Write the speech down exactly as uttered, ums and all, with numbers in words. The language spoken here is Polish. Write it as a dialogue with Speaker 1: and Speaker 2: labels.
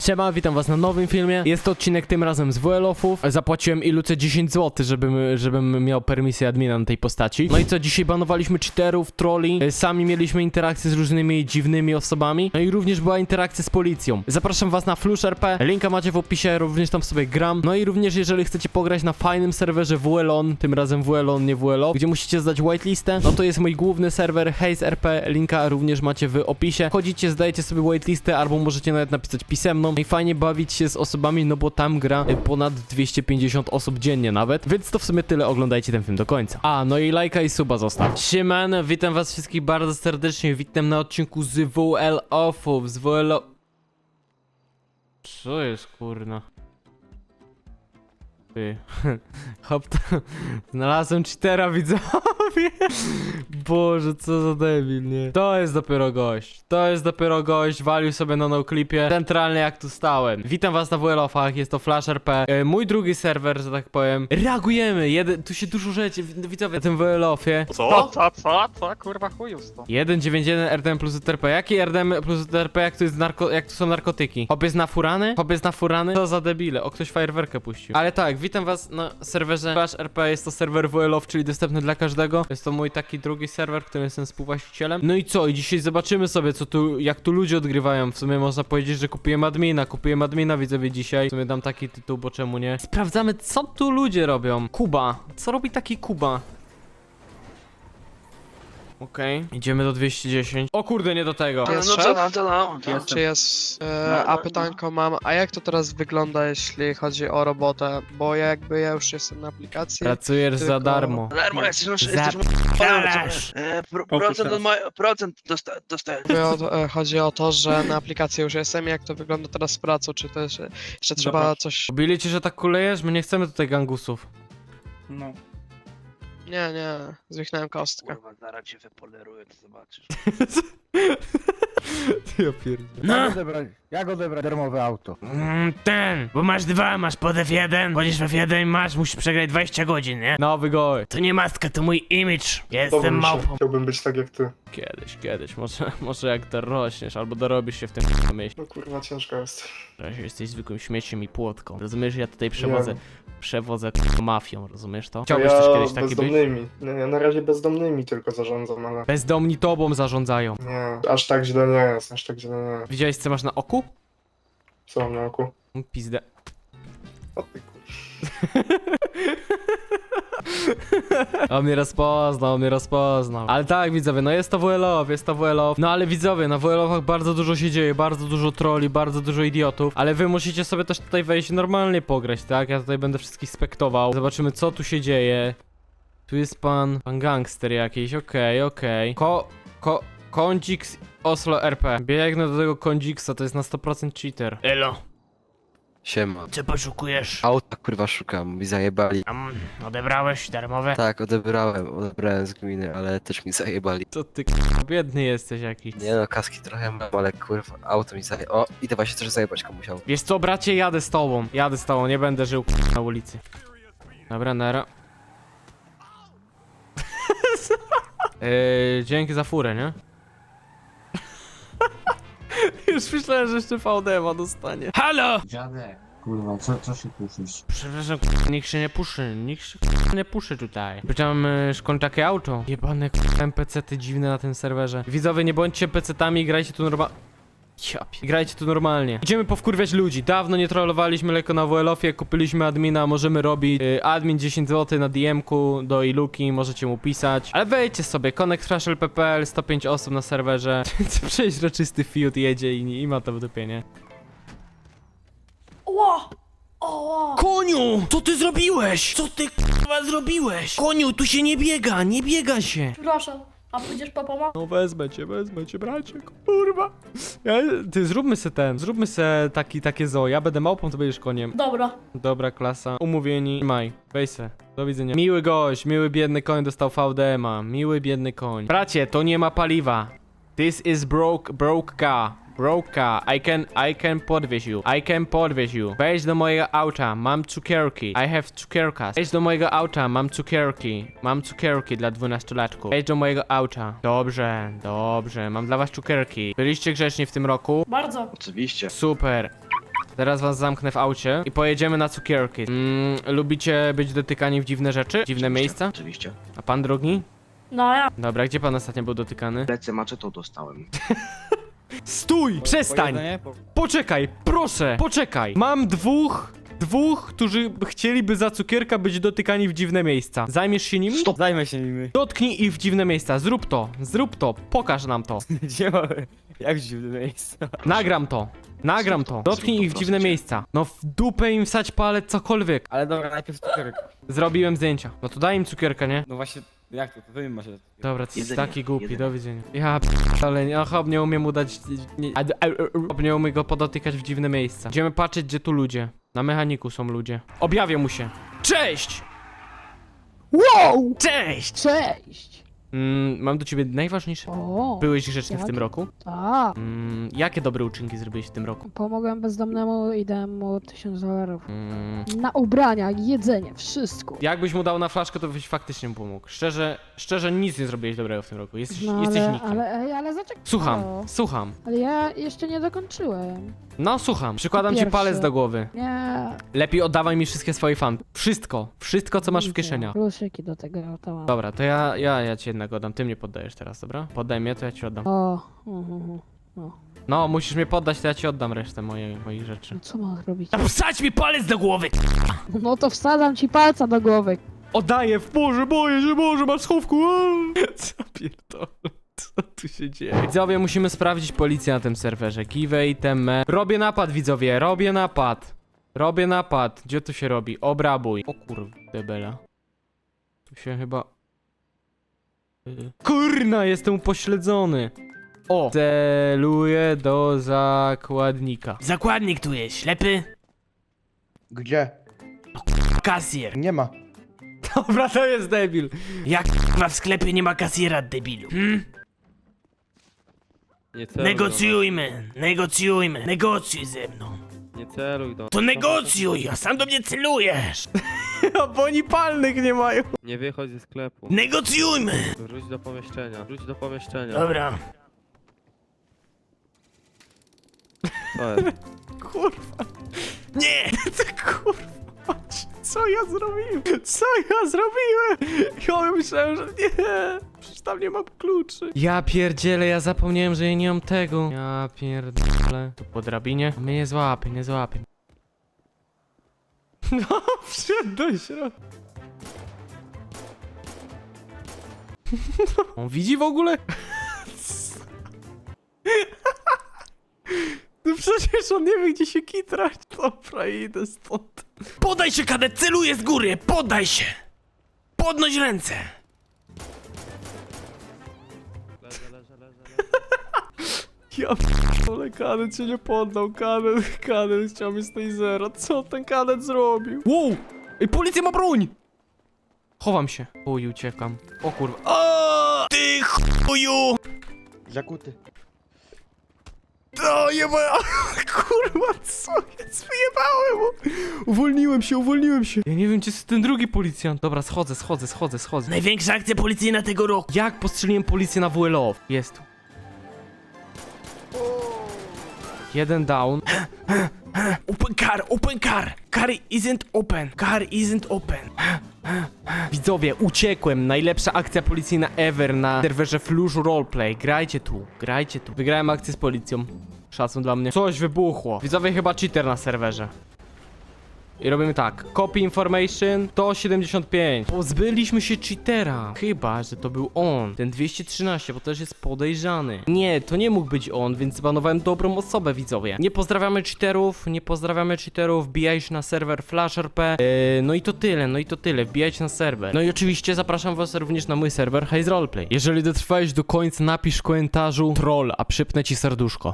Speaker 1: Siema, witam was na nowym filmie. Jest to odcinek tym razem z W L O-ów. Zapłaciłem Iluce dziesięć złotych, żebym, żebym miał permisję admina na tej postaci. No i co, dzisiaj banowaliśmy cheaterów, trolli. Sami mieliśmy interakcje z różnymi dziwnymi osobami. No i również była interakcja z policją. Zapraszam was na Flush R P. Linka macie w opisie, również tam sobie gram. No i również jeżeli chcecie pograć na fajnym serwerze W L O N, tym razem W L O N, nie W L O, gdzie musicie zdać whitelistę, no to jest mój główny serwer Haze R P. Linka również macie w opisie. Chodzicie, zdajecie sobie whitelistę, albo możecie nawet napisać pisemną. No i fajnie bawić się z osobami, no bo tam gra ponad dwieście pięćdziesiąt osób dziennie nawet. Więc to w sumie tyle, oglądajcie ten film do końca. A, no i lajka i suba zostaw. Siemano, witam was wszystkich bardzo serdecznie. Witam na odcinku z W L O-ów, z W L O... Co jest, kurna? Ty. Hop, to... Znalazłem cheatera, widzowie. Boże, co za debil, nie? To jest dopiero gość. To jest dopiero gość. Walił sobie na noclipie. Centralnie jak tu stałem. Witam was na W L O-ach. Jest to Flush R P. E, mój drugi serwer, że tak powiem. Reagujemy. Jeden... Tu się dużo rzeczy. Widzowie, na tym W L O-ie.
Speaker 2: Co? Co? Co? Co? Kurwa chujów to.
Speaker 1: jeden dziewięć jeden R D M plus R P. Jaki R D M plus R P, jak tu jest narko... jak tu są narkotyki? Hop jest na furany? Hop jest na furany? Co za debile. O, ktoś fajerwerkę puścił. Ale tak, witam was na serwerze Flush R P. Jest to serwer W L O, czyli dostępny dla każdego. Jest to mój taki drugi serwer, którym jestem współwłaścicielem. No i co? I dzisiaj zobaczymy sobie, co tu, jak tu ludzie odgrywają. W sumie można powiedzieć, że kupiłem admina. Kupiłem admina, widzowie, dzisiaj. W sumie dam taki tytuł, bo czemu nie? Sprawdzamy, co tu ludzie robią. Kuba. Co robi taki Kuba? Okej, okay. Idziemy do dwieście dziesięć. O kurde, nie do tego.
Speaker 3: No, no to no, to no. To. Czy jest, e, a pytanko mam, a jak to teraz wygląda, jeśli chodzi o robotę? Bo ja jakby ja już jestem na aplikacji.
Speaker 1: Pracujesz
Speaker 3: tylko...
Speaker 1: za darmo.
Speaker 4: Darmo, jesteś masz,
Speaker 1: Za
Speaker 4: jesteś
Speaker 1: p***alasz.
Speaker 4: e, pro, procent, od moj, procent dosta, dostałem.
Speaker 3: O, e, chodzi o to, że na aplikacji już jestem. Jak to wygląda teraz z pracą? Czy to jeszcze, jeszcze trzeba
Speaker 2: Dobra.
Speaker 3: coś...
Speaker 1: Bili ci, że tak kulejesz? My nie chcemy tutaj gangusów.
Speaker 2: No.
Speaker 3: Nie, nie, zwichnąłem kostkę.
Speaker 4: Kurwa, zaraz cię wypoleruję, to zobaczysz.
Speaker 1: Ja pierdolę.
Speaker 5: Jak odebrać, jak odebrać darmowe auto?
Speaker 6: Mm, ten, bo masz dwa, masz pod F jeden, chodzisz w F jeden, masz, musisz przegrać dwadzieścia godzin, nie?
Speaker 1: Nowy gość.
Speaker 6: To nie maska, to mój image. Ja
Speaker 2: Dobrze
Speaker 6: jestem
Speaker 2: mi się.
Speaker 6: małpą.
Speaker 2: Chciałbym być tak jak ty.
Speaker 1: Kiedyś, kiedyś. Może, może jak dorośniesz, albo dorobisz się w tym myśl.
Speaker 2: No kurwa, ciężko jest.
Speaker 1: Że jesteś zwykłym śmieciem i płotką. Rozumiesz, ja tutaj przewodzę, przewodzę k***a, mafią, rozumiesz to? Chciałbyś
Speaker 2: ja
Speaker 1: też kiedyś taki być?
Speaker 2: bezdomnymi. Nie, ja na razie bezdomnymi tylko zarządzam, ale...
Speaker 1: Bezdomni tobą zarządzają.
Speaker 2: Nie, aż tak źle nie jest, aż tak źle nie jest.
Speaker 1: Widziałeś, co masz na oku?
Speaker 2: Co mam na oku?
Speaker 1: Pizdę.
Speaker 2: O ty kur...
Speaker 1: On mnie rozpoznał, on mnie rozpoznał. Ale tak, widzowie, no jest to W L O, jest to W L O. No ale widzowie, na W L O-ach bardzo dużo się dzieje, bardzo dużo trolli, bardzo dużo idiotów. Ale wy musicie sobie też tutaj wejść i normalnie pograć, tak? Ja tutaj będę wszystkich spektował. Zobaczymy, co tu się dzieje. Tu jest pan, pan gangster jakiś, okej, okay, okej. Okay. Ko, ko, Kondix Oslo R P. Biegnę do tego Kondzixa, to jest na sto procent cheater.
Speaker 6: Elo,
Speaker 7: Siema.
Speaker 6: co poszukujesz?
Speaker 7: Auta kurwa szukam, mi zajebali.
Speaker 6: Tam odebrałeś darmowe?
Speaker 7: Tak, odebrałem, odebrałem z gminy, ale też mi zajebali.
Speaker 1: Co ty, k***a, biedny jesteś jakiś.
Speaker 7: Nie no, kaski trochę mam, ale kurwa, auto mi zaje... O, idę właśnie też zajebać komuś auto.
Speaker 1: Wiesz co, bracie, jadę z tobą. Jadę z tobą, nie będę żył k***a, na ulicy. Dobra, nara. Yy, dzięki za furę, nie? Już myślałem, że jeszcze V D ma dostanie. Halo!
Speaker 8: Dziadek, kurwa, co, co się puszysz?
Speaker 1: Przepraszam, k***a, nikt się nie puszy, nikt się k***a, nie puszy tutaj. Pytam, yy, skąd takie auto? Jebane k***a, N P C-ty dziwne na tym serwerze. Widzowie, nie bądźcie pecetami, grajcie tu normalnie. Ja pie... Grajcie tu normalnie. Idziemy powkurwiać ludzi. Dawno nie trollowaliśmy lekko na W L O-ie, kupiliśmy admina, możemy robić yy, admin dziesięć złotych na D M-ku do Iluki, możecie mu pisać. Ale wejdźcie sobie, connect flash l p p l, sto pięć osób na serwerze. Przeźroczysty fiut jedzie i, i ma to w dupie, nie?
Speaker 9: Ło! O!
Speaker 1: Koniu! Co ty zrobiłeś? Co ty k***a zrobiłeś? Koniu, tu się nie biega, nie biega się.
Speaker 9: Przepraszam, a pójdziesz po pomoc?
Speaker 1: No wezmę cię, wezmę cię, bracie, kurwa. Ja, ty, zróbmy se ten, zróbmy se taki, takie zoo. Ja będę małpą, to będziesz koniem.
Speaker 9: Dobra.
Speaker 1: Dobra klasa, umówieni. Maj, weź se, do widzenia. Miły gość, miły biedny koń dostał V D M-a. Miły biedny koń. Bracie, to nie ma paliwa. This is broke, broke car. Broke car. I can, I can podwieź you. I can podwieź you. Wejdź do mojego auta, mam cukierki. I have cukierkas. Wejdź do mojego auta, mam cukierki. Mam cukierki dla dwunastolatków. Wejdź do mojego auta. Dobrze, dobrze, mam dla was cukierki. Byliście grzeczni w tym roku?
Speaker 9: Bardzo.
Speaker 4: Oczywiście.
Speaker 1: Super. Teraz was zamknę w aucie i pojedziemy na cukierki. Mm, lubicie być dotykani w dziwne rzeczy? Dziwne miejsca?
Speaker 4: Oczywiście.
Speaker 1: A pan drogi?
Speaker 9: No ja.
Speaker 1: Dobra, gdzie pan ostatnio był dotykany?
Speaker 4: Lecę maczetą dostałem.
Speaker 1: Stój! Przestań! Poczekaj, proszę! Poczekaj! Mam dwóch... Dwóch, którzy chcieliby za cukierka być dotykani w dziwne miejsca. Zajmiesz się nimi?
Speaker 10: Stop, zajmę się nimi.
Speaker 1: Dotknij ich w dziwne miejsca. Zrób to. Zrób to. Pokaż nam to.
Speaker 10: Gdzie mamy? Jak dziwne miejsca?
Speaker 1: Nagram to. Nagram to. Dotknij ich w dziwne miejsca. No w dupę im wsać palec, cokolwiek.
Speaker 10: Ale dobra, najpierw cukierek.
Speaker 1: Zrobiłem zdjęcia. No to daj im cukierka, nie?
Speaker 10: No właśnie, jak to? To wy mi macie.
Speaker 1: Dobra, ty jesteś
Speaker 4: Jedzenie,
Speaker 1: taki głupi,
Speaker 4: jedzenie.
Speaker 1: do widzenia. Ja ale nie, hop, nie umiem mu dać... Nie, a- a- a- hop, nie umiem go podotykać w dziwne miejsca. Idziemy patrzeć, gdzie tu ludzie. Na mechaniku są ludzie. Objawię mu się. Cześć!
Speaker 11: Wow!
Speaker 1: Cześć!
Speaker 11: Cześć!
Speaker 1: Mm, mam do ciebie najważniejsze...
Speaker 11: O,
Speaker 1: Byłeś grzeczny w
Speaker 11: jak?
Speaker 1: tym roku?
Speaker 11: tak.
Speaker 1: Mm, jakie dobre uczynki zrobiłeś w tym roku?
Speaker 11: Pomogłem bezdomnemu i dałem mu tysiąc dolarów.
Speaker 1: Mm,
Speaker 11: Na ubrania, jedzenie, wszystko.
Speaker 1: jakbyś mu dał na flaszkę, to byś faktycznie mu pomógł. Szczerze, szczerze nic nie zrobiłeś dobrego w tym roku. Jesteś,
Speaker 11: No
Speaker 1: jesteś
Speaker 11: ale,
Speaker 1: nikim.
Speaker 11: ale, ej, ale zaczekaj.
Speaker 1: Słucham,
Speaker 11: Halo.
Speaker 1: słucham.
Speaker 11: Ale ja jeszcze nie dokończyłem.
Speaker 1: No słucham. Przykładam ci
Speaker 11: Pierwsze.
Speaker 1: palec do głowy.
Speaker 11: Nie.
Speaker 1: Lepiej oddawaj mi wszystkie swoje fan. Wszystko. Wszystko, co masz w
Speaker 11: widzę.
Speaker 1: kieszeniach.
Speaker 11: Pluszyki do tego to mam.
Speaker 1: Dobra, to ja, ja, ja ci jednego oddam. Ty mnie poddajesz teraz, dobra? Poddaj mnie, to ja ci oddam.
Speaker 11: O, uh, uh,
Speaker 1: No, musisz mnie poddać, to ja ci oddam resztę moje, moich rzeczy.
Speaker 11: no co mam robić?
Speaker 6: Wsadź mi palec do głowy!
Speaker 11: No to wsadzam ci palca do głowy.
Speaker 1: Oddaję, w Boże, boję się, Boże, masz schowku. Co pierdolę? Co tu się dzieje? Widzowie, musimy sprawdzić policję na tym serwerze. Give iteme. Robię napad, widzowie, robię napad. Robię napad. Gdzie to się robi? Obrabuj. O kurde bela. Tu się chyba... Y, Kurna, jestem upośledzony. O! Celuję do zakładnika.
Speaker 6: Zakładnik tu jest, ślepy?
Speaker 5: Gdzie?
Speaker 6: Kasjer.
Speaker 5: Nie ma.
Speaker 1: Dobra, to jest debil.
Speaker 6: Jak k***a w sklepie nie ma kasjera, debilu? Hmm?
Speaker 10: Nie
Speaker 6: Negocjujmy, negocjujmy, negocjuj ze mną.
Speaker 10: Nie celuj do...
Speaker 6: To negocjuj, a sam do mnie celujesz.
Speaker 1: Bo oni palnych nie mają.
Speaker 10: Nie wychodź ze sklepu.
Speaker 6: Negocjujmy.
Speaker 10: Wróć do pomieszczenia. Wróć do pomieszczenia.
Speaker 6: Dobra.
Speaker 10: Co jest?
Speaker 1: Kurwa.
Speaker 6: Nie!
Speaker 1: Ty kurwa. Patrz, co ja zrobiłem? Co ja zrobiłem? Ja myślałem, że nie. Przecież tam nie mam kluczy. Ja pierdzielę, ja zapomniałem, że ja nie mam tego. Ja pierdolę. Tu po drabinie. Mnie nie złapie, nie złapie. No, wszedł do środka. On widzi w ogóle? No przecież on nie wie, gdzie się kitrać. Dobra, idę stąd.
Speaker 6: Podaj się, kadet, celuję z góry, podaj się. Podnoś ręce.
Speaker 10: Leżę, leżę, leżę,
Speaker 1: Ja p***ole, kadet się nie poddał, kadet, kadet chciał mi z tej zera. Co ten kadet zrobił? Wow! Ej, policja ma broń! Chowam się. Uj, uciekam. O kurwa.
Speaker 6: O, ty chuju!
Speaker 5: Zakuty.
Speaker 1: O, jeba... Kurwa, co jest? Wyjebały mu! Uwolniłem się, uwolniłem się. Ja nie wiem, gdzie jest ten drugi policjant. Dobra, schodzę, schodzę, schodzę, schodzę.
Speaker 6: Największa akcja policyjna tego roku.
Speaker 1: Jak postrzeliłem policję na W L O? Jest tu. Jeden down.
Speaker 6: Open car, open car. Car isn't open. Car isn't open.
Speaker 1: Widzowie, uciekłem. Najlepsza akcja policyjna ever na serwerze Flush Roleplay. Grajcie tu, grajcie tu. Wygrałem akcję z policją. Szacun dla mnie. Coś wybuchło. Widzowie, chyba cheater na serwerze. I robimy tak. Copy information sto siedemdziesiąt pięć. Pozbyliśmy się cheatera. Chyba, że to był on. Ten dwieście trzynaście, bo też jest podejrzany. Nie, to nie mógł być on, więc zbanowałem dobrą osobę, widzowie. Nie pozdrawiamy cheaterów, nie pozdrawiamy cheaterów. Wbijajcie na serwer Flash R P. Yy, no i to tyle, no i to tyle. Wbijajcie na serwer. No i oczywiście zapraszam was również na mój serwer Haze Roleplay. Jeżeli dotrwałeś do końca, napisz w komentarzu troll, a przypnę ci serduszko.